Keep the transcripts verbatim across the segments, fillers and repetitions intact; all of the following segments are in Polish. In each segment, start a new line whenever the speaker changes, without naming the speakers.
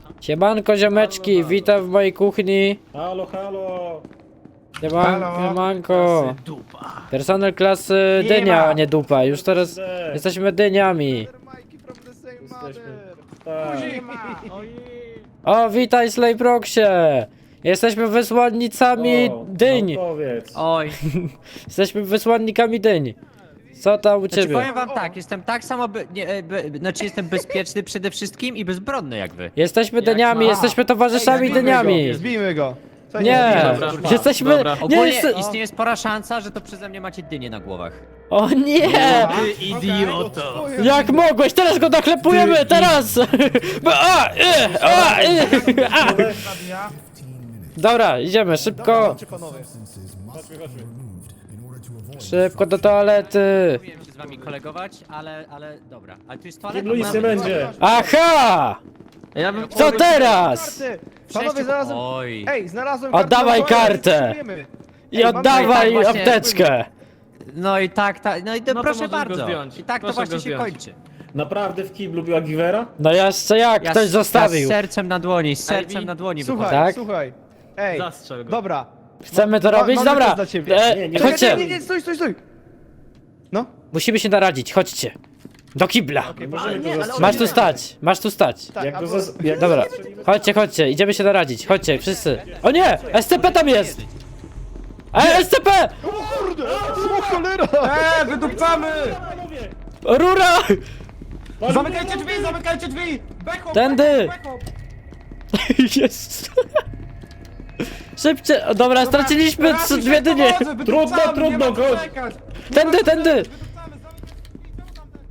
Siemanko ziomeczki,
Halo, halo.
witam w mojej kuchni.
Halo, halo!
Sieman,
Halo.
siemanko.
Dupa!
Personel klasy
Nie
dynia,
ma.
a nie dupa. Już teraz
Źle.
jesteśmy dyniami.
Jesteśmy... Tak.
O, witaj Slayproxie. Jesteśmy wysłannicami
O,
dyń.
naukowiec.
Oj,
Jesteśmy wysłannikami dyń. Co tam u
znaczy
ciebie?
powiem wam tak, jestem tak samo, be, nie, e, be, znaczy jestem bezpieczny przede wszystkim i bezbronny jak wy.
Jesteśmy dyniami,
ma-
jesteśmy towarzyszami dyniami.
Zbijmy go. Co
Nie,
Dobra, dobra.
jesteśmy...
Dobra.
Nie,
Ogólnie
jest...
istnieje spora szansa, że to przeze mnie macie dynie na głowach.
O nie!
Ty
idioto.
Jak mogłeś? Teraz go naklepujemy, teraz! A, y, a, y, a. Dobra, idziemy, szybko.
Chodźmy, chodźmy.
Szybko do toalety.
Próbuję się z wami kolegować, ale, ale dobra. Ale tu jest
W
toaleta.
kiblu nic nie będzie.
Aha!
Ja bym...
Co teraz?
Panowie, znalazłem...
Oj.
Ej, znalazłem
Oddawaj
kartę na toaletę,
kartę.
potrzebujemy.
I
Ej, mam
oddawaj
tutaj właśnie-
apteczkę.
No i tak, tak, no i to
No to
proszę
możesz go
bardzo.
zdjąć.
I tak
Proszę
to właśnie
go
się
zdjąć.
kończy.
Naprawdę w kiblu była giwera?
No jeszcze jak,
Ja,
ktoś
z- ja z
zostawił.
sercem na dłoni, z sercem
Ej,
na dłoni
Słuchaj,
wychodzę.
Tak?
słuchaj. Ej,
Zastrzel go.
dobra.
Chcemy to
Ma-
robić?
mamy
Dobra.
coś dla ciebie.
E,
Nie, nie,
Czekaj,
Chodźcie.
nie, nie, nie, stój, stój, stój. No.
Musimy się naradzić, chodźcie. Do kibla.
Nie możemy
nie,
go
ale
zastrzelić.
Masz tu stać, masz tu stać.
Tak,
Jak go
albo-
zas... jak
Dobra,
go zastrzelimy, to-
chodźcie, chodźcie, idziemy się naradzić, chodźcie, wszyscy. O nie, S C P tam jest! Ej, S C P!
O cholera!
Eee, wydupcamy!
Panowie!
Rura!
Panowie!
Zamykajcie drzwi, zamykajcie drzwi! Backhop,
Tędy!
backhop, backhop.
Jest. Szybcie, o, dobra, straciliśmy
Teraz
trzy-
się
dwie dynie.
powodzę, wydupcamy,
Trudno, trudno,
nie ma co
godź.
czekać.
Tędy, tędy!
Wydupcamy, zamykajcie drzwi, czemu tam ten-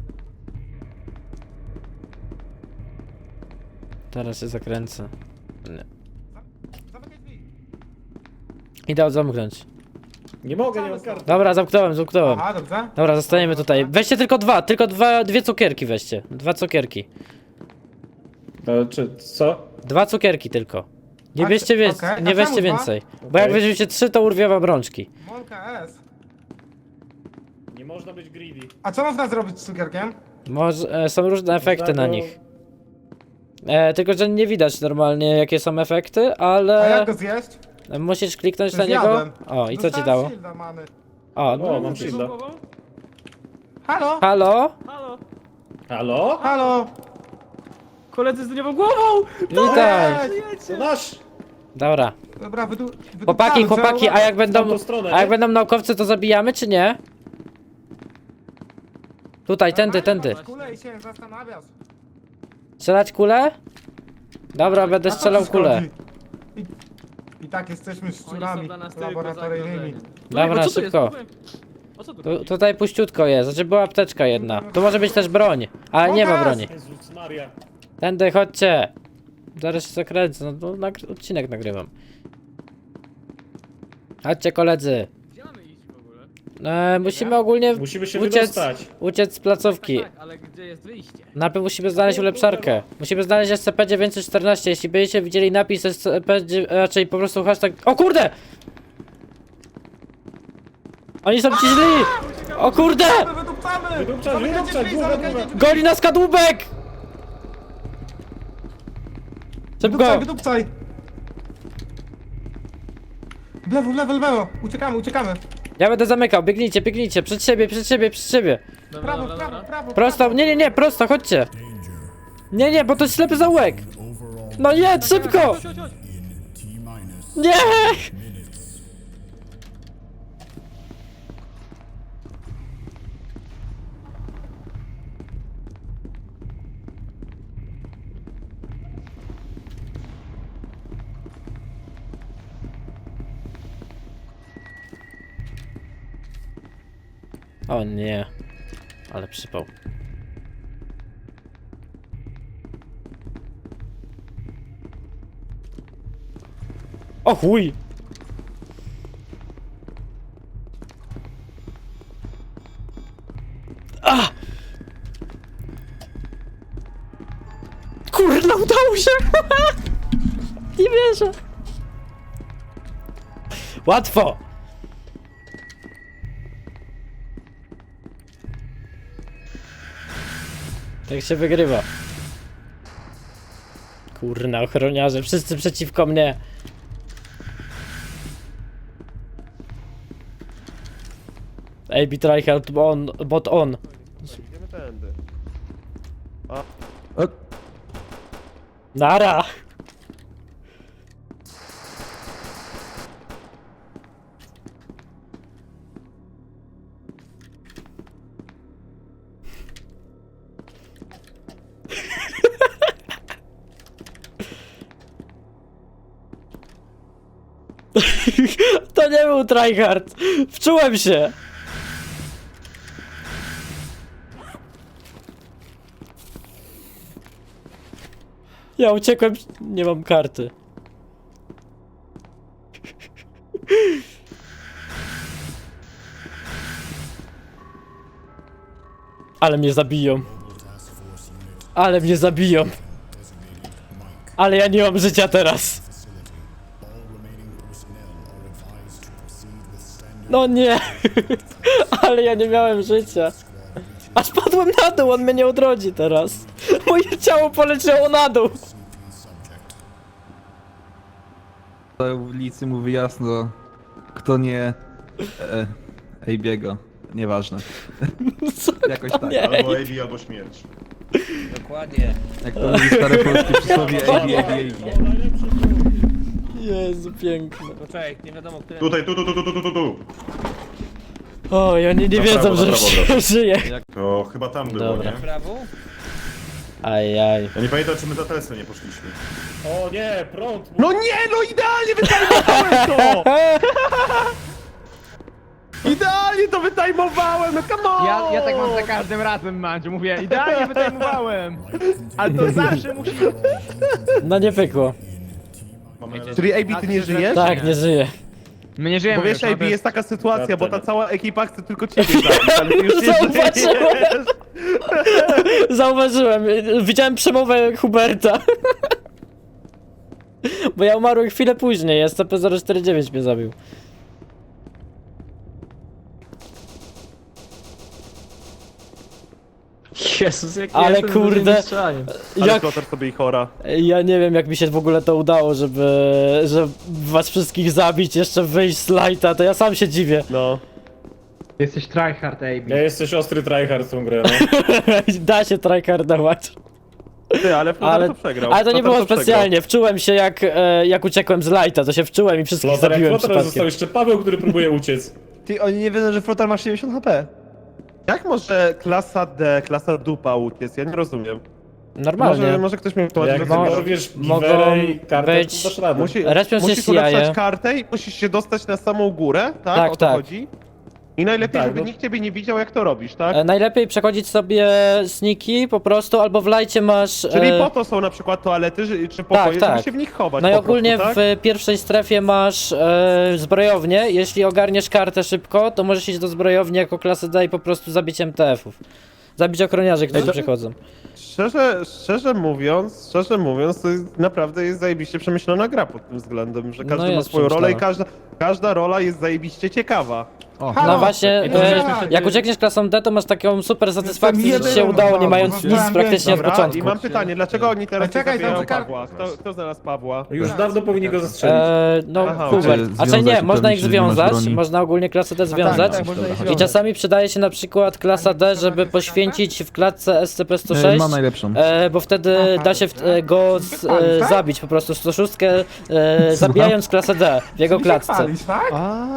Teraz się zakręcę. Nie.
Zamykaj drzwi.
Idę zamknąć.
Nie mogę, nie mam karty.
Dobra, zamknąłem, zamknąłem.
Aha, dobrze.
Dobra, zostajemy tutaj. Weźcie tylko dwa, tylko dwa, dwie cukierki weźcie. Dwa cukierki.
E, czy co?
Dwa cukierki tylko. Nie
A
bierzcie,
czy-
wie,
okej, a
nie
czemu
weźcie
dwa?
więcej. Bo jak
Okej.
weźmiecie trzy, to urwie wam rączki.
Molka S.
Nie można być greedy.
A co można zrobić z cukierkiem?
Może, e, są różne efekty
Można
na
go-
nich. E, tylko, że nie widać normalnie jakie są efekty,
A
ale
jak go zjeść?
musisz kliknąć na
Zjadłem.
niego. O, i co ci
Dostałem
dało?
shielda, mamy.
O, no.
O, mam shielda.
Halo?
Halo?
Halo?
Halo?
Halo? Koledzy z dyniową głową!
Witaj.
To nasz!
Dobra.
Dobra, wydu...
Chłopaki,
wydupcamy,
chłopaki,
trzeba
a jak
W
będą,
tamtą stronę,
a jak
nie?
będą naukowcy, to zabijamy, czy nie? Tutaj, tędy, tędy.
Kulę i się zastanawiasz.
Strzelać kulę? Dobra, będę
A co
strzelał
ci
kulę.
szkodzi? I, I tak jesteśmy szczurami laboratoryjnymi.
Dobra, szybko. Tu, tutaj puściutko jest, znaczy była apteczka jedna. Tu może być też broń, ale nie ma broni.
Jezus Maria.
Tędy, chodźcie. Zaraz się zakręcę, no to nagry- odcinek nagrywam. Chodźcie koledzy.
Gdzie mamy iść w ogóle?
E, musimy ogólnie
Musimy się
uciec,
wydostać.
uciec z placówki.
Tak, ale gdzie jest wyjście?
Najpierw musimy znaleźć ulepszarkę. Musimy znaleźć S C P dziewięćset czternaście. Jeśli będziecie widzieli napis S C P, dzie- raczej po prostu hashtag... O kurde! Oni są ci źli! O kurde!
Wydupcamy!
Wydupczać,
Zamykajcie
wydupczać,
drzwi,
długo,
zamykajcie
długo.
drzwi!
Goni nas kadłubek! Szybko!
Wydupcaj, wydupcaj! W lewo, w lewo, w lewo! Uciekamy, uciekamy!
Ja będę zamykał, biegnijcie, biegnijcie, przed siebie, przed siebie, przed siebie.
Prawo, prawo, prawo!
Prosto, nie, nie, nie, prosto, chodźcie. Nie, nie, bo to jest ślepy zaułek. No jedź, szybko! Nie! O nie, ale przypał. O chuj! A! Kurna, udało się! Nie wierzę! Łatwo! Tak się wygrywa. Kurna, ochroniarze, wszyscy przeciwko mnie. A B tryhard on, bot on.
Idziemy tędy.
Nara! To nie był tryhard! Wczułem się! Ja uciekłem, nie mam karty. Ale mnie zabiją. Ale mnie zabiją. Ale ja nie mam życia teraz. No nie. Ale ja nie miałem życia. Aż padłem na dół, on mnie nie odrodzi teraz. Moje ciało poleciało na dół.
Na ulicy mówi jasno, kto nie e, Ejbiego. Nieważne.
Co
Jakoś
to
tak.
nie?
Albo A B, albo śmierć.
Dokładnie.
Jak to mówi stare polskie przysłowie Ejbi, Ejbi, Ejbi.
Jezu, piękne.
Poczekaj, nie wiadomo, które...
Tutaj, tu, tu, tu, tu, tu, tu, tu.
O, i oni nie
Na
wiedzą,
prawo,
że
na prawo, na prawo.
żyję.
To chyba tam było,
Dobra.
nie?
Prawo?
Ajaj.
Ja nie pamiętam, czy my za Teslę nie poszliśmy.
O nie, prąd!
No nie, no idealnie wytajmowałem to! Idealnie to wytajmowałem, no come on!
Ja, ja tak mam za każdym razem, Mandziu, mówię, idealnie wytajmowałem. Ale to zawsze musi...
No nie pykło.
Mamy
Czyli A B, ty nie żyjesz?
Tak, nie żyję.
My nie żyjemy
Bo wiesz,
już, no
A
to
B, jest taka sytuacja,
Ja
bo ta
też.
cała ekipa chce tylko ciebie zabić, ale ty już nie
Zauważyłem.
żyjesz.
Zauważyłem, widziałem przemowę Huberta. Bo ja umarłem chwilę później, S C P zero cztery dziewięć mnie zabił.
Jezus, jak
Ale
jestem
kurde,
dużym mistrzem.
Ale
jak,
Flotar sobie i chora.
ja nie wiem jak mi się w ogóle to udało, żeby, żeby was wszystkich zabić, jeszcze wyjść z lighta, to ja sam się dziwię.
No.
Jesteś tryhard, A B.
Ja jesteś ostry tryhard w tą grę, no.
Da się tryhardować.
Ty, ale Flotar
Ale,
to przegrał.
ale to nie
Flotar
było
przegrał.
specjalnie, wczułem się jak, e, jak uciekłem z lighta, to się wczułem i wszystkich
Flotar, jak
zabiłem
Flotar został
przypadkiem.
jeszcze Paweł, który próbuje uciec.
Ty, oni nie wiedzą, że Flotar ma siedemdziesiąt H P. Jak może klasa D, klasa dupa uciec? Ja nie rozumiem.
Normalnie.
Może, może ktoś mi wytłumaczyć,
Jak
mo-
dorwiesz
mogą
giwerę i kartę,
być-
to dasz radę.
Musi,
Respią się
musisz
C I A.
ulepszać kartę i musisz się dostać na samą górę, tak?
Tak,
o to
tak.
chodzi? I najlepiej,
Tak,
żeby
no.
nikt ciebie nie widział, jak to robisz, tak?
E, najlepiej przechodzić sobie sniki po prostu, albo w lajcie masz...
Czyli
e,
po to są na przykład toalety, że- czy pokoje,
tak.
żeby się w nich chować
No i
po
ogólnie
prostu, tak?
w pierwszej strefie masz e, zbrojownię. Jeśli ogarniesz kartę szybko, to możesz iść do zbrojowni jako klasy D i po prostu zabić M T F-ów. Zabić ochroniarzy, którzy
to-
przychodzą.
Szczerze, szczerze mówiąc, szczerze mówiąc, to jest, naprawdę jest zajebiście przemyślana gra pod tym względem, że
No
każdy ma
jest
swoją rolę i
przemyślana.
każda, każda rola jest zajebiście ciekawa.
O,
No właśnie,
I to
e,
żeśmy wtedy-
jak uciekniesz klasą D, to masz taką super satysfakcję, że ci się
jeden
udało, nie
mały,
mając
bo
nic
mam
praktycznie od
Dobra,
początku.
i mam pytanie, dlaczego oni teraz
A czekaj,
nie zabijają
tam czeka-
Pawła? Kto, kto znalazł Pawła?
Już dawno powinni go zastrzelić.
E, no,
Aha,
Hubert.
okej.
A czy nie,
Związać,
można ich
upewnić się, że nie masz
związać,
broni.
można ogólnie klasę D związać.
tak, można ich
I
związać.
czasami przydaje się na przykład klasa D, żeby poświęcić w klatce S C P sto
e,
sześć.
ma najlepszą.
E, bo wtedy da się w, e, go z, e, zabić po prostu sto sześć, e, zabijając klasę D w jego klatce.
Palisz, tak?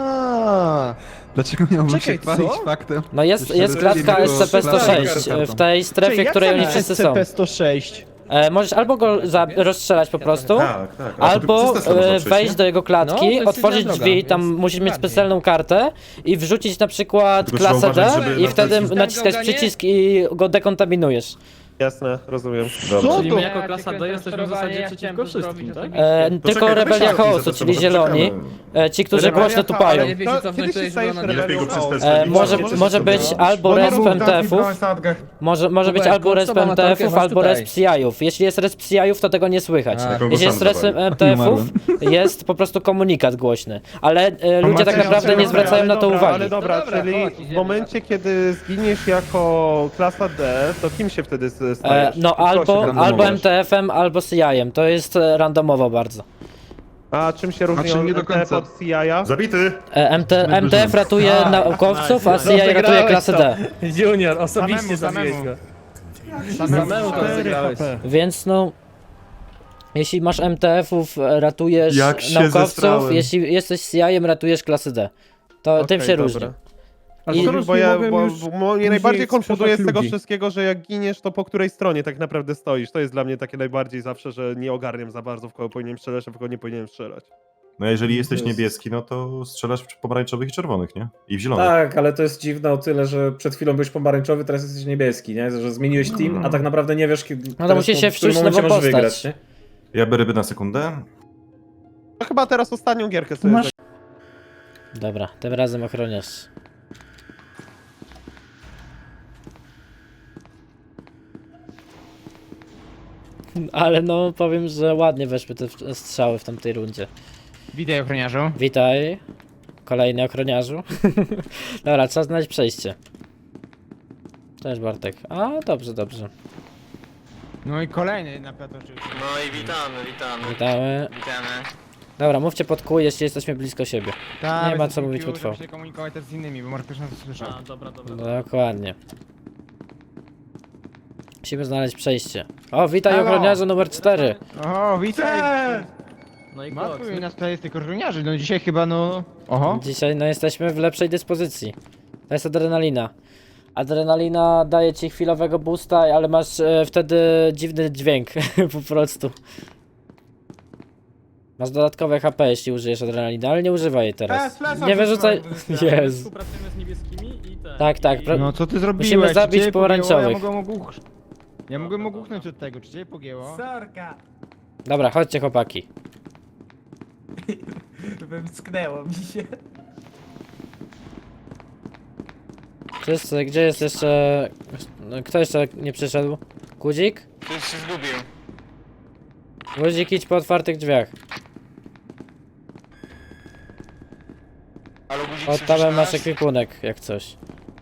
A,
Dlaczego miałbym
Czekaj,
się chwalić
co?
faktem?
No jest,
że
jest
czterdzieści
klatka
było
S C P sto sześć
klasą.
e, w tej strefie, w której oni wszyscy są.
sto sześć.
E, możesz albo go za- rozstrzelać po prostu,
Tak, tak. A to
albo
przez Teslę można
e,
przejść,
wejść
nie?
do jego
No, to
klatki,
jest
otworzyć
inna
drzwi,
droga,
tam
więc
musisz mieć
dokładnie.
specjalną kartę i wrzucić na przykład
Tylko trzeba
klasę D
uważać, żeby
i
na
wtedy
końcu-
naciskać
Tam go
przycisk i go dekontaminujesz.
Jasne, rozumiem.
Dobra.
Czyli my
to?
jako
Ja
klasa
cię
D jesteśmy w zasadzie
ja
przeciwko
chciałem
wszystkim,
zrobić
tak?
E,
To
tylko
czekaj, to
Rebelia
weź
Chaosu,
auty,
czyli
to
zieloni,
poczekamy.
e, ci, którzy
Rebelia
głośno
Chaos,
tupają.
ale wiecie,
To
cofnąć
kiedy
to
się
jest
stajesz
zielona
Lepiej go przez
Chaos?
Teslę
E,
nie
może,
możesz
może
sobie
być
zrobić.
albo
Bo nie
resp
był
M T
taki
F-ów,
sadgę.
może, może być
Hubert,
albo
kurczę,
resp
mam
M T F-ów,
latarkę,
albo
chodź
resp C I ów. Jeśli jest resp C I ów, to tego nie słychać.
A.
Jaką
Jeśli
go
jest
sam
resp
dawali.
M T F-ów, jest po prostu komunikat głośny. Ale e, ludzie tak
macie
naprawdę nie
rację,
zwracają
ale
na to
dobra,
uwagi.
Ale dobra,
No dobra,
czyli
chodź,
w
idziemy
momencie, kiedy zginiesz jako klasa D, to kim się wtedy z, e,
E,
stajesz?
no
Co się
albo,
randomować?
albo M T F-em, albo C I em. To jest e, randomowo bardzo.
A czym się różni
Znaczy, nie do
M T F
końca.
od C I a?
Zabity!
E, M T, M T F ratuje
A,
naukowców, a
nice,
C I
nice.
ratuje
Zagrałeś
klasę
to.
D.
Junior, osobiście
Samemu,
zabiłeś
samemu.
go. Samemu to zagrałeś.
Więc no... Jeśli masz M T F-ów, e, ratujesz
Jak się
naukowców,
zestrałem.
jeśli jesteś C I em, ratujesz klasę D. To tym
Okej,
się
dobra.
różni.
A
I-
bo, bo, ja, bo,
już
bo mnie
później
najbardziej konfunduje z
sprzedać
tego
ludzi.
wszystkiego, że jak giniesz, to po której stronie tak naprawdę stoisz. To jest dla mnie takie najbardziej zawsze, że nie ogarniam za bardzo, w kogo powinienem strzelać, a w kogo nie powinienem strzelać.
No a jeżeli jesteś
jest-
niebieski, no to strzelasz w pomarańczowych i czerwonych, nie? I w zielonych.
Tak, ale to jest dziwne o tyle, że przed chwilą byłeś pomarańczowy, teraz jesteś niebieski, nie? Że zmieniłeś team, a tak naprawdę nie wiesz, kiedy.
No to
teraz
musisz
po-
się
w którym
wczuć w
momencie
nową
możesz
postać.
wygrać, nie?
Ja biorę ryby na sekundę.
No chyba teraz ostatnią gierkę sobie
Masz-
Dobra, tym razem ochroniarz. Ale no, powiem, że ładnie weszły te w- strzały w tamtej rundzie.
Witaj, ochroniarzu.
Witaj, kolejny ochroniarzu. Dobra, trzeba znaleźć przejście. Cześć Bartek. A, dobrze, dobrze.
No i kolejny na plato oczywiście.
No i witamy, witamy.
Witamy.
Witamy.
Dobra, mówcie pod kół, jeśli jesteśmy blisko siebie.
Ta,
Nie ma
jesteśmy
co mówić
Q,
po trwał.
żeby się komunikować też z innymi, bo może ktoś nas słyszał.
A, dobra, dobra.
Dokładnie. Musimy znaleźć przejście. O, witaj
Halo.
ochroniarzu numer cztery.
O, witaj!
No i
Matko,
koks.
i nas tutaj jest tych ochroniarzy, no dzisiaj chyba no... Oho.
Dzisiaj no jesteśmy w lepszej dyspozycji. To jest adrenalina. Adrenalina daje ci chwilowego boosta, ale masz e, wtedy dziwny dźwięk po prostu. Masz dodatkowe H P, jeśli użyjesz adrenaliny, ale nie używaj jej teraz. Nie wyrzucaj. Jezu.
Współpracujemy z niebieskimi i te.
Tak, tak,
I...
pra-
No co ty zrobiłeś?
Musimy
Czy
zabić
ciebie
pomarańczowych.
pogięło? Ja mogłem ogłuch... Ja mogłem ogłuchnąć od tego, czy cię pogięło?
Dobra, chodźcie chłopaki.
Wymsknęło mi się.
Wszyscy, gdzie jest jeszcze... no, Kto jeszcze nie przyszedł? Guzik?
Ktoś się zgubił.
Guzik, idź po otwartych drzwiach.
Ale guzik
Pod tabem masz ekwipunek, jak coś.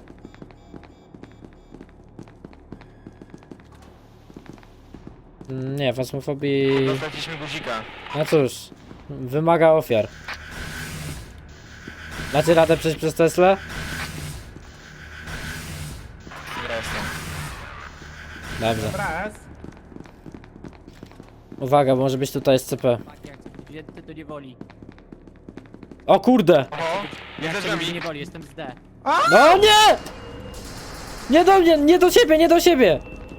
Mm, Nie, fasmofobii...
Dostaliśmy guzika.
No cóż, wymaga ofiar. Dacie radę przejść przez Teslę?
Zresztą.
Dobrze.
Raz.
Uwaga, bo może być tutaj S C P.
Ty to nie woli.
O kurde!
Oho,
Ja
jest za
to
drzwiami.
nie woli, jestem z D.
No nie! Nie do mnie, nie do siebie, nie do siebie!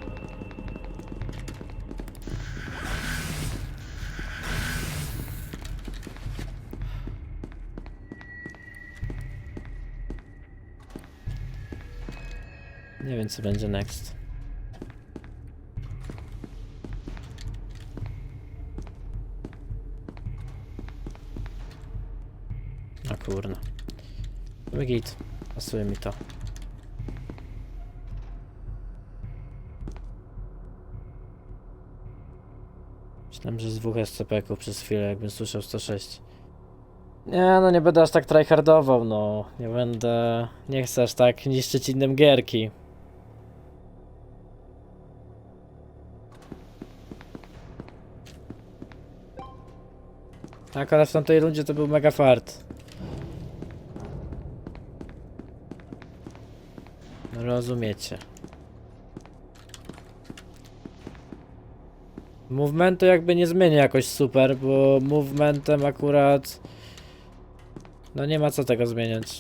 Nie wiem co będzie next. A kurna. Git. Pasuje mi to. Myślałem, że z dwóch S C P-ków przez chwilę, jakbym słyszał sto sześć. Nie, no nie będę aż tak tryhardował, no. Nie będę... Nie chcę aż tak niszczyć innym gierki. Tak, ale w tamtej rundzie to był mega fart. Rozumiecie. Movementu jakby nie zmienię jakoś super, bo movementem akurat... No nie ma co tego zmieniać.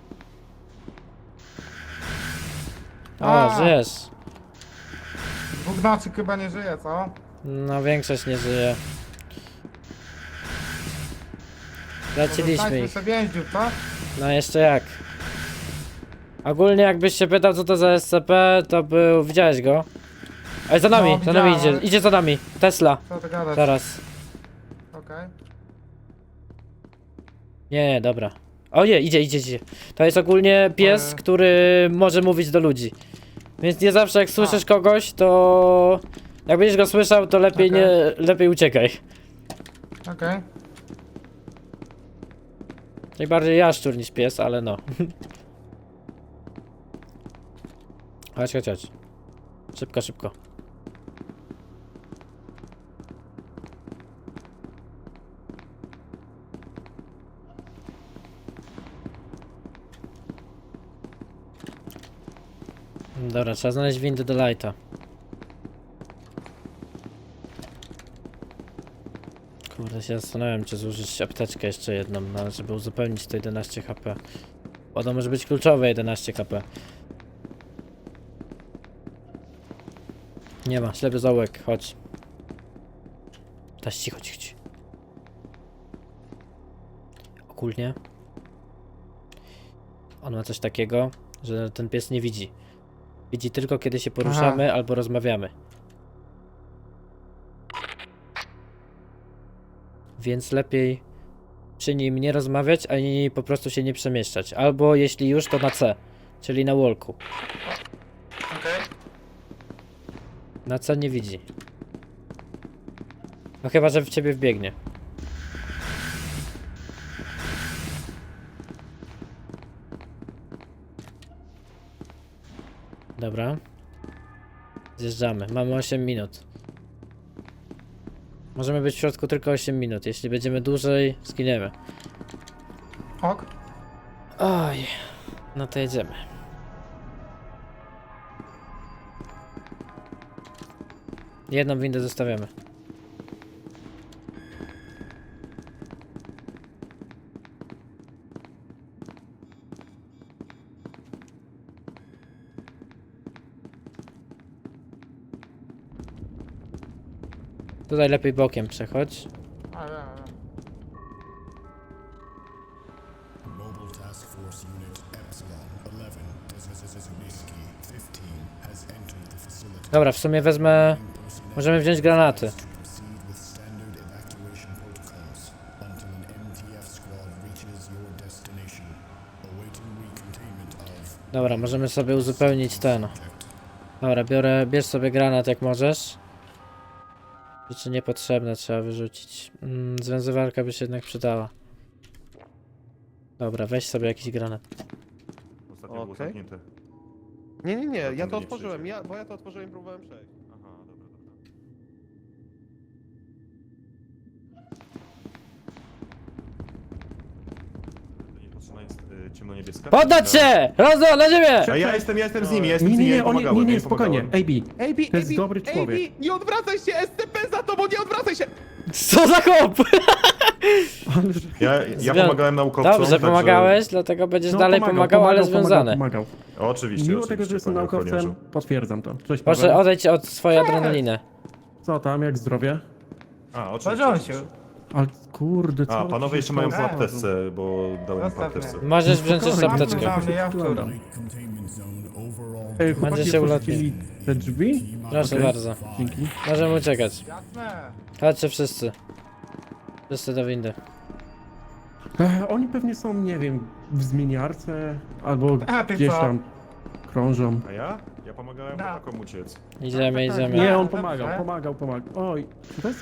O,
A.
żyjesz.
Dwóch nocy chyba nie żyje, co?
No większość nie żyje. Leciliśmy
Zostańmy
ich.
sobie więźniów, co?
No jeszcze jak. Ogólnie jakbyś się pytał co to za S C P, to był... Widziałeś go? Ej, za nami,
No,
za nami
widziałem,
idzie, idzie za nami. Tesla,
Co ty gadasz?
zaraz.
Okej.
Nie, nie, dobra. O nie, idzie, idzie, idzie. To jest ogólnie pies,
Ojej.
który może mówić do ludzi. Więc nie zawsze jak słyszysz kogoś, to... Jak będziesz go słyszał, to lepiej
Okej.
nie... Lepiej uciekaj.
Okej.
Najbardziej jaszczur niż pies, ale no. Chodź, chodź, chodź. Szybko, szybko. Dobra, trzeba znaleźć windę do lighta. Kurde, się zastanawiam, czy zużyć apteczkę jeszcze jedną, no, żeby uzupełnić to jedenaście HP. Bo to może być kluczowe jedenaście HP. Nie ma, ślepy zaułek, chodź. Taś, chodź, chodź. Ogólnie on ma coś takiego, że ten pies nie widzi. Widzi tylko kiedy się poruszamy albo rozmawiamy. Więc lepiej przy nim nie rozmawiać, ani po prostu się nie przemieszczać. Albo jeśli już, to na C, czyli na walku.
Okej.
Na C nie widzi. No chyba, że w ciebie wbiegnie. Dobra. Zjeżdżamy. Mamy osiem minut. Możemy być w środku tylko osiem minut. Jeśli będziemy dłużej, zginiemy.
Ok.
Oj. No to jedziemy. Jedną windę zostawiamy. Tutaj lepiej bokiem przechodź.
A, ja, ja.
Mobile Task Force Unit Epsilon eleven Whiskey fifteen has entered the facility.
Dobra, w sumie wezmę... Możemy wziąć granaty.
Proceed with standard evacuation protocols until an M T F squad reaches your destination. Awaiting recontainment of
Dobra, możemy sobie uzupełnić ten. Dobra, biorę, bierz sobie granat jak możesz. Rzeczy niepotrzebne trzeba wyrzucić. Mm, związywarka by się jednak przydała. Dobra, weź sobie jakiś granat.
Ostatnio było
Okej.
zamknięte.
Nie, nie, nie,
To
ja
tam
to
nie
otworzyłem,
przejdzie.
ja, bo ja to otworzyłem i próbowałem przejść.
Aha, dobra, dobra. To niepotrzebna jest y, ciemno-niebieska?
Poddać się! Rozdo, na ziemię!
A ja jestem, ja jestem z nimi, ja jestem
Nie,
z
nie,
nimi,
nie,
ja
on, nie,
pomagałem,
nie,
ja
nie, spokojnie.
pomagałem.
A B,
Ej, Bi,
to jest
Ej, Bi,
dobry
Ej,
człowiek.
Bi, nie odwracaj się, S C P za tobą, nie odwracaj się!
Co za chłop!
Ja, ja
Zwią-
pomagałem naukowcom,
Dobrze,
także-
pomagałeś, dlatego będziesz
No,
dalej pomagał, ale
pomagał,
związany.
Pomagał, pomagał.
Oczywiście,
Mimo
oczywiście,
tego, że jestem
panie
naukowcem,
ochroniarzu.
potwierdzam to. Cześć,
Proszę,
Paweł.
odejdź od swojej adrenaliny.
Co tam, jak zdrowie?
A, oczywiście.
Podział się.
Ale kurde, co?
A, panowie jeszcze mają w
A,
apteczce, bo dałem w
Zostaw
apteczce.
mnie.
Możesz wziąć jeszcze
Spokojnie,
apteczkę.
Mamy, ja wczoraj.
containment zone overall.
Ej,
Będzie
chłopaki,
się
otworzyli te drzwi?
Proszę
Okej.
bardzo.
Dzięki.
Możemy uciekać.
Jasne.
Chodźcie wszyscy. Wszyscy do windy.
E, oni pewnie są, nie wiem, w zmieniarce, albo
A, ty
gdzieś
co?
tam krążą.
A ja? Ja pomagałem
Da.
chłopakom uciec.
Idziemy, idziemy.
Nie, on
Dobrze.
pomagał, pomagał, pomagał. Oj, co to jest?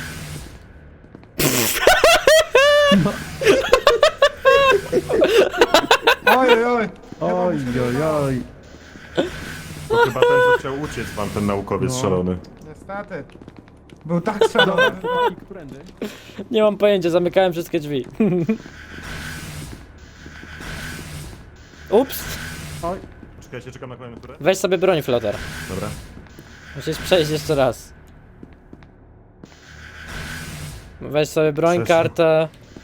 Oj, oj, oj.
Oj, oj, oj.
To chyba ten, co chciał uciec wam, ten naukowiec
No.
szalony.
Niestety. Był tak szalony.
Chłopaki, którędy?
Nie mam pojęcia, zamykałem wszystkie drzwi. Ups!
Oj,
Czekajcie, czekam na kolejną turę.
Weź sobie broń, flotar.
Dobra.
Musisz przejść jeszcze raz. Weź sobie broń,
Przeszedł.
kartę.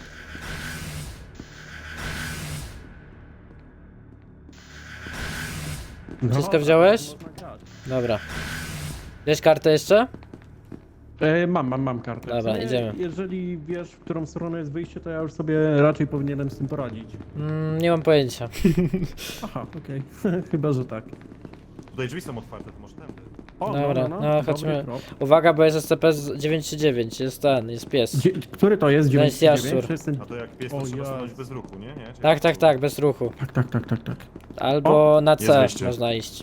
no,
Wszystko wziąłeś?
można grać.
Dobra. Bierz kartę jeszcze?
E, mam, mam, mam kartę.
Dobra,
W sumie,
idziemy.
Jeżeli wiesz, w którą stronę jest wyjście, to ja już sobie raczej powinienem z tym poradzić.
Mm, nie mam pojęcia.
Aha, okej. Chyba, że tak.
Tutaj drzwi są otwarte, to może tędy.
O,
Dobra, no,
dobry
chodźmy.
krok.
Uwaga, bo jest S C P z dziewięć trzy dziewięć. Jest ten, jest pies.
Dzie- który to jest?
To jest
dziewięćdziesiąt dziewięć?
jaszczur.
Czy jest ten...
A to jak pies, to
O
trzeba
Jezu.
stanąć bez ruchu, nie? nie? Czy
Tak,
jak
tak,
to-
tak, bez ruchu.
Tak, tak, tak, tak, tak.
Albo na
jest
C
wyjście.
można iść.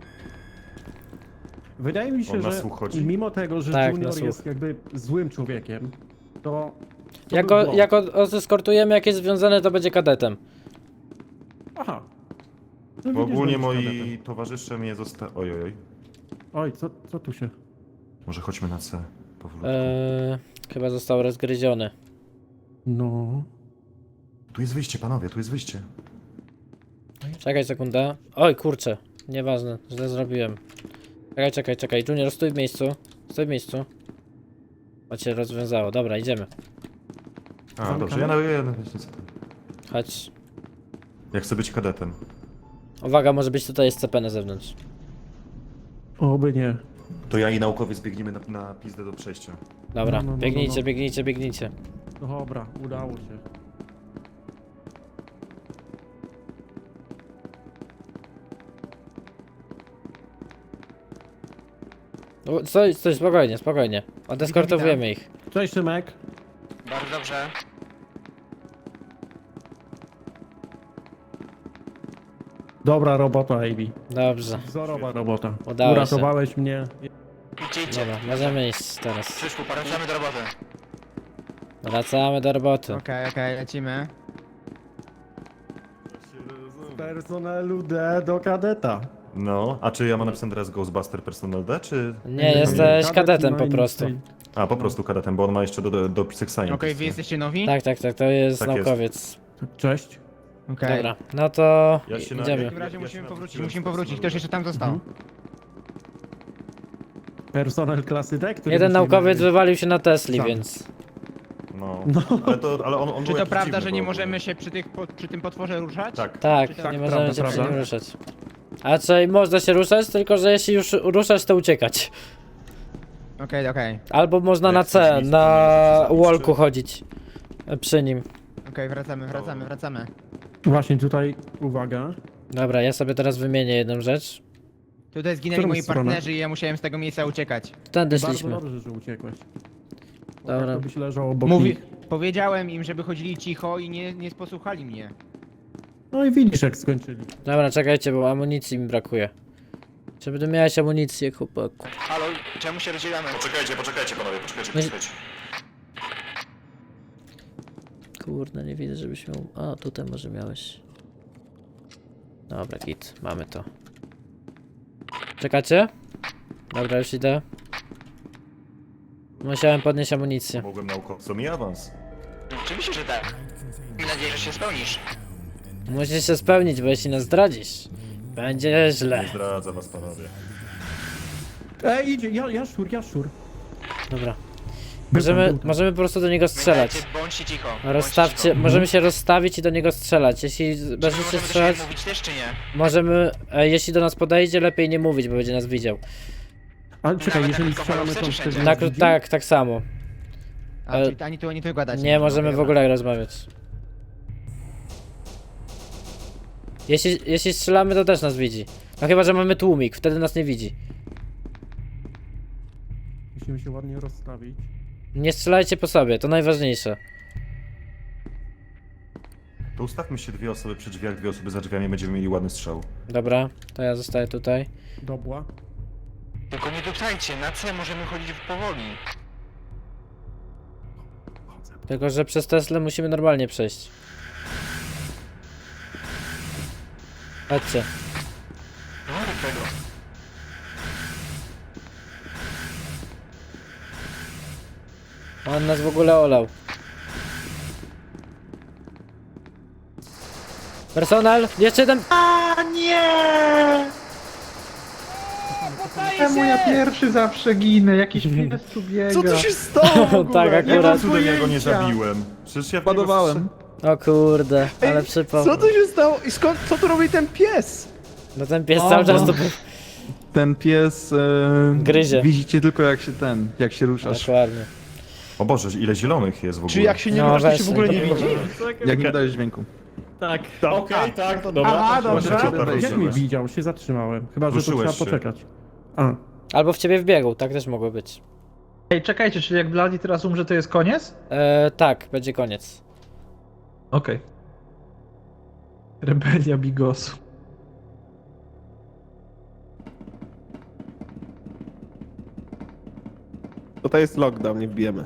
Wydaje mi się,
On na
że
słuch chodzi?
mimo tego, że
Tak, na
Junior
słuch.
jest jakby złym człowiekiem, to... to
Jak
był
go,
błąd.
jak o- odeskortujemy, jak jest związane, to będzie kadetem.
Aha. No
Bo
widzisz,
ogólnie
będziesz
moi
kadetem.
towarzysze mnie zosta... Oj, oj, oj.
Oj, co, co tu się...
Może chodźmy na C. Powolutku.
Eee, chyba został rozgryziony.
No...
Tu jest wyjście, panowie, tu jest wyjście.
Czekaj sekundę. Oj, kurczę. Nieważne, źle zrobiłem. Czekaj, czekaj, czekaj. Junior, stój w miejscu. Stój w miejscu. O, cię rozwiązało. Dobra, idziemy.
A, dobrze, ja na... Ja, na-
Chodź.
ja chcę być kadetem.
Uwaga, może być tutaj S C P na zewnątrz.
Oby nie.
To ja i naukowiec biegniemy na, na pizdę do przejścia.
Dobra,
No, no, no,
biegnijcie,
no, no.
biegnijcie, biegnijcie.
Dobra, udało się.
O, Stój, stój, spokojnie, spokojnie. Odeskortowujemy ich.
Cześć Szymek.
Bardzo dobrze.
Dobra robota, Ivy.
Dobrze,
Wzorowa robota.
Udało się.
Uratowałeś mnie.
Idźcie, idźcie.
dobra, możemy iść teraz.
Krzyszku, wracamy do roboty.
Wracamy do roboty.
Okej, okej, lecimy.
Z personelu D do kadeta.
No, a czy ja mam napisane teraz Ghostbuster Personal D, czy...
Nie, jesteś
Kadet
kadetem
ma
po
inny
prostu.
styl.
A, po prostu kadetem, bo on ma jeszcze do, do, do Pisek Science.
Okej, wy jesteście nowi?
Tak, tak, tak, to jest
Tak jest.
naukowiec.
Cześć.
Okej.
Dobra, no to
Ja się na-
W
idziemy.
takim razie
Ja się
musimy powrócić,
nawróciłem
musimy
z
powrócić.
personelu.
Ktoś jeszcze tam został.
Mhm. Personel klasy D, który
Jeden
musimy-
naukowiec wywalił się na Tesli,
Sam.
więc...
No,
No.
ale, to, ale on, on
Czy
był
to
jakiś
prawda,
dziwny,
że nie
bo-
możemy się przy, tych, po, przy tym potworze ruszać?
Tak.
Tak,
Tak,
nie
prawda,
możemy się przy
prawda.
nim ruszać. A czyli można się ruszać, tylko że jeśli już ruszać, to uciekać.
Okej, okej.
Albo można
Jak
na
chcesz
C,
nic, to
na
nie chcesz
walku
zabić,
chodzić. e, Przy nim.
Okej, wracamy, wracamy, wracamy.
Właśnie tutaj, uwaga.
Dobra, ja sobie teraz wymienię jedną rzecz.
Tutaj zginęli
Którą
moi
stronę?
partnerzy i ja musiałem z tego miejsca uciekać.
Tędy
Bardzo
szliśmy.
dobrze, że uciekłeś.
Dobra.
Dobra. To byś leżał obok
Mówi...
nich.
Powiedziałem im, żeby chodzili cicho i nie, nie posłuchali mnie.
No i widzisz jak skończyli.
Dobra, czekajcie, bo amunicji mi brakuje. Czy będę miałeś amunicję, chłopaku?
Halo, czemu się rozdzielamy?
Poczekajcie, poczekajcie panowie, poczekajcie,
No i-
poczekajcie.
Kurde, nie widzę, żebyś miał... A, tutaj może miałeś. Dobra, git, mamy to. Czekacie? Dobra, już idę. Musiałem podnieść amunicję.
Mogłem naukowcom i awans.
Oczywiście, że tak. Mam nadzieję, że się spełnisz.
Musisz się spełnić, bo jeśli nas zdradzisz, będzie źle.
Nie zdradza was panowie.
Ej, idzie, ja, jaszczur, jaszczur.
Dobra.
Był
Możemy,
tam, był tam.
możemy po prostu do niego strzelać.
Pamiętajcie, bądźcie cicho. bądźcie
Rozstawcie,
cicho.
możemy się rozstawić i do niego strzelać. Jeśli
Czy my
będziecie
możemy do siebie
strzelać,
mówić też, czy nie?
możemy, e, jeśli do nas podejdzie, lepiej nie mówić, bo będzie nas widział.
Ale czekaj,
Nawet
jeżeli
na
strzelamy to
mikrofonu
wtedy
wszędzie.
Tak,
nas widzi?
tak, tak samo.
A,
Ale-
czyli ani tu, ani tu gadać.
Nie możemy
Okej,
w
dobra.
ogóle rozmawiać. Jeśli, jeśli strzelamy, to też nas widzi. No chyba, że mamy tłumik, wtedy nas nie widzi.
Musimy się ładnie rozstawić.
Nie strzelajcie po sobie, to najważniejsze.
To ustawmy się dwie osoby przy drzwiach, dwie osoby za drzwiami, będziemy mieli ładny strzał.
Dobra, to ja zostaję tutaj.
Dobła.
Tylko nie duptajcie, na C możemy chodzić powoli.
Tylko, że przez Teslę musimy normalnie przejść. Chodźcie.
No rób tego.
On nas w ogóle olał. Personal, jeszcze jeden...
Czemu ja pierwszy zawsze ginę? Jakiś pies tu biega.
Co tu się stało w ogóle?
Tak,
Ja
akurat.
cudem ja go nie
pojęcia.
zabiłem. Przecież ja w niego
Ładowałem.
O kurde, ale
Ej,
przypał.
Co tu się stało? I skąd, co tu robi ten pies?
No ten pies
O,
cały czas
no.
tu był.
Ten pies... E,
Gryzie.
Widzicie tylko jak się ten, jak się ruszasz.
Dokładnie.
O Boże, ile zielonych jest w ogóle.
Czy jak się nie
No,
rusza, to
weź,
się w ogóle nie
no.
widzi?
Jak nie dajesz dźwięku.
Tak,
Tak.
okej, tak, dobra.
Aha,
Właśnie
dobrze.
cię tak
Jak mnie
ruszyłeś.
widział? Się zatrzymałem. Chyba, że to
Ruszyłeś
trzeba
się.
poczekać. A.
Albo w ciebie wbiegł, tak też mogło być.
Ej, czekajcie, czyli jak Bloody teraz umrze, to jest koniec?
E, tak, będzie koniec.
Okej. Rebelia Bigosu.
Tutaj jest lockdown, nie wbijemy.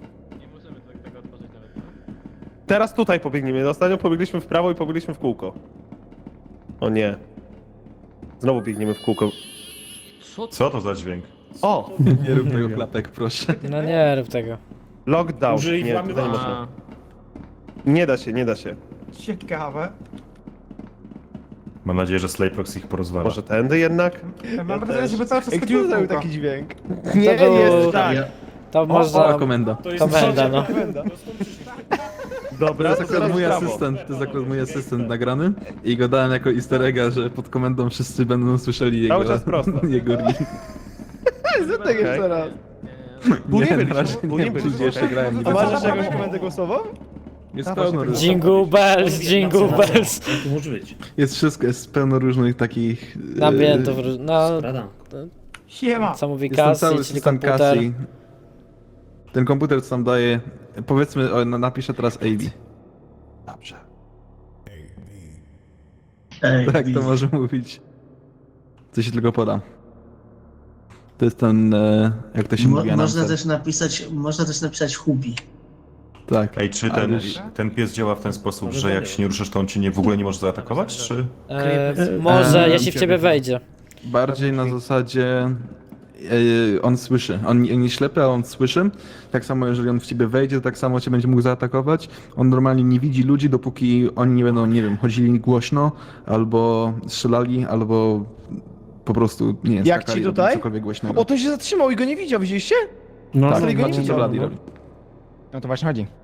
Teraz tutaj pobiegniemy. Ostatnio pobiegliśmy w prawo i pobiegliśmy w kółko. O nie. Znowu biegniemy w kółko.
Co to za dźwięk?
O!
Nie rób tego klapek, proszę.
No nie rób tego.
Lockdown.
Użyj
Nie, tutaj nie
włamywania.
można. Nie da się, nie da się.
Ciekawe.
Mam nadzieję, że Slayprox ich porozwala.
Może tędy jednak?
Mam wrażenie, żeby cały czas
Ej,
chodziło
kto zrobił
kółko.
taki dźwięk?
Nie,
Nie, jest tak.
To
O,
można...
komenda.
To będę, no.
To
Dobra,
jest
to
akurat
teraz
mój
brawo.
asystent, to jest akurat mój asystent nagrany i go dałem jako easter egga, że pod komendą wszyscy będą słyszeli jego,
Cały czas prosto.
jego ring.
Zrób tak jeszcze raz.
Pół nie
Nie,
byliśmy,
na razie
pół
nie
nie
byliśmy,
byliśmy.
jeszcze grałem.
A masz jeszcze jakąś komendę głosową?
Jest
Dawaj,
pełno
się
różnych.
Jingle bells, jingle bells.
Tu może być.
Jest wszystko, jest pełno różnych takich... e,
Napiętów, no,
Radam.
Siema.
co mówi
Jest ten
Cassie,
cały
czyli
system
komputer.
Cassie. Ten komputer co tam daje... Powiedzmy, o, na- napiszę teraz A B.
Dobrze.
Tak to może mówić. Co się tylko poda. To jest ten, e, jak to się mówi, announcer.
napisać, można też napisać Hubi.
Tak.
Ej, czy
Ale
ten,
już-
ten pies działa w ten sposób, że jak się nie ruszysz, to on cię nie, w ogóle nie może zaatakować, czy...
E, może,
E,
jeśli w ciebie wejdzie.
Bardziej na zasadzie e, on słyszy. On nie, nie ślepy, a on słyszy. Tak samo jeżeli on w ciebie wejdzie, to tak samo cię będzie mógł zaatakować. On normalnie nie widzi ludzi, dopóki oni nie będą, nie wiem, chodzili głośno, albo strzelali, albo po prostu, nie wiem,
Jak
skakali,
ci
robili
tutaj?
cokolwiek głośnego.
O, to się zatrzymał i go nie widział, widzieliście?
No,
tak,
ale
tak,
go nie
tak,
widział,
to Vladi
no.
robi.
No to właśnie chodzi.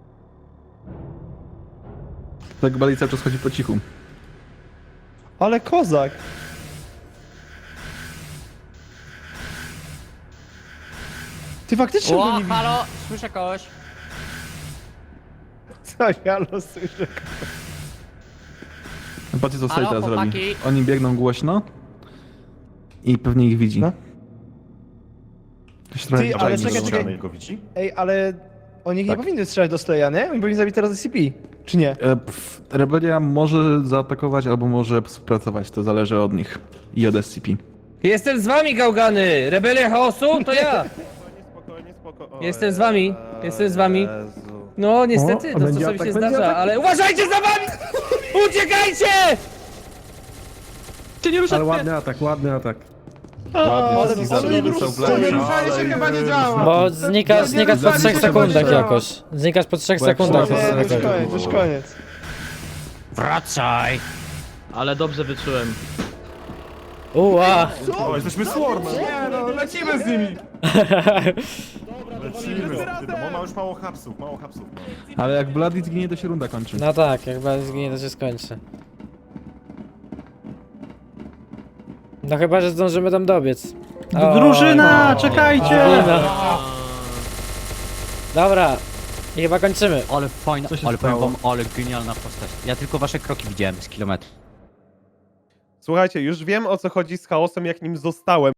Tak Vladi cały czas chodzi po cichu.
Ale kozak. Ty faktycznie
O,
go nie widzisz.
halo, słyszę kogoś.
Coś, halo, słyszę.
Patrzcie co Slay
Halo,
teraz robi.
chłopaki?
Oni biegną głośno i pewnie ich widzi.
No.
Ktoś trochę
Ty,
czai,
ale
że
czekaj,
go-
czekaj.
go widzi?
Ej, ale oni nie
Tak.
powinny strzelać do Slaya, nie? Oni powinni zabić teraz S C P, czy nie?
E, pff, Rebelia może zaatakować albo może współpracować, to zależy od nich i od S C P.
Jestem z wami, gałgany! Rebelia chaosu? To ja!
Spokojnie, spokojnie. O
Jestem z wami,
Jezu.
jestem z wami. No niestety,
O, a
to co
będzie
sobie
atak,
się
będzie
zdarza,
atak.
ale uważajcie za wami! Uciekajcie!
Czy nie
Ale ładny atak, ładny atak.
Ładnie, wszystkich
ale
zabił,
nie
dostał
wrócę,
blady.
Ruszanie się chyba nie działa.
Bo znikasz, znikasz po
Zabił
trzech
się
sekundach
będzie.
jakoś. Znikasz po trzech
Bo jak
sekundach.
się-
Nie,
jest
już
znikasz.
koniec, już koniec.
Wracaj.
Ale dobrze wyczułem.
Uła!
O, jesteśmy swarmem!
Nie no, lecimy z nimi.
Lecimy z tym, on ma już mało hapsów, mało hapsów. ma.
Ale jak Bloody zginie, to się runda kończy.
No tak, jak bardzo zginie, to się skończy. No chyba, że zdążymy tam dobiec. O,
Drużyna, czekajcie!
Drużyna. Dobra, i chyba kończymy.
Ale fajna,
Co się
ale powiem
stało?
wam, ale genialna postać. Ja tylko wasze kroki widziałem z kilometra.
Słuchajcie, już wiem o co chodzi z chaosem, jak nim zostałem.